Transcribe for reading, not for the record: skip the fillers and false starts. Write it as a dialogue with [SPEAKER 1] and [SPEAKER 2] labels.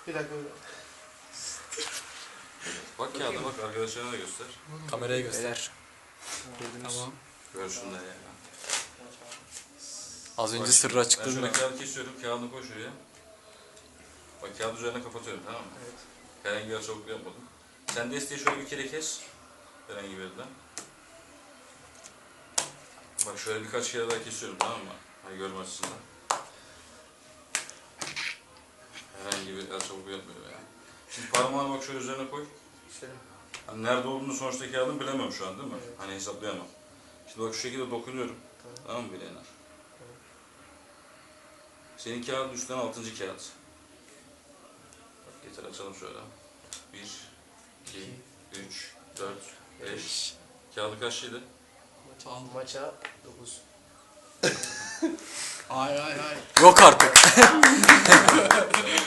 [SPEAKER 1] Bir dakika.
[SPEAKER 2] Bak kağıda bak, arkadaşlarına da göster.
[SPEAKER 3] Kameraya göster. Tamam.
[SPEAKER 2] Görsünler yani.
[SPEAKER 3] Az önce
[SPEAKER 2] Bak,
[SPEAKER 3] sırrı
[SPEAKER 2] Ben
[SPEAKER 3] açıkladın
[SPEAKER 2] şöyle
[SPEAKER 3] mı?
[SPEAKER 2] kağıdı kesiyorum, kağıdını koy şuraya. Bak kağıdı üzerine kapatıyorum, tamam mı?
[SPEAKER 1] Evet.
[SPEAKER 2] Herhangi bir açıklık yapmadım. Sen desteği şöyle bir kere kes. Herhangi bir yerden. Bak şöyle birkaç kere daha kesiyorum, tamam mı? Hani görme açısından. Herhangi bir açıklık yapmıyor yani. Şimdi parmağını bak şöyle üzerine koy.
[SPEAKER 1] Şöyle.
[SPEAKER 2] Hani nerede olduğunu sonuçta kağıdın bilemem şu an değil mi?
[SPEAKER 1] Evet.
[SPEAKER 2] Hani hesaplayamam. Şimdi bak şu şekilde dokunuyorum.
[SPEAKER 1] Tamam.
[SPEAKER 2] Tamam mı bileğine? Senin kağıdın üstten 6. kağıt. Bak getir açalım şöyle. 1, 2, 3, 4, 5. Kağıdı kaçlıydı?
[SPEAKER 1] Maça 9.
[SPEAKER 3] Yok artık.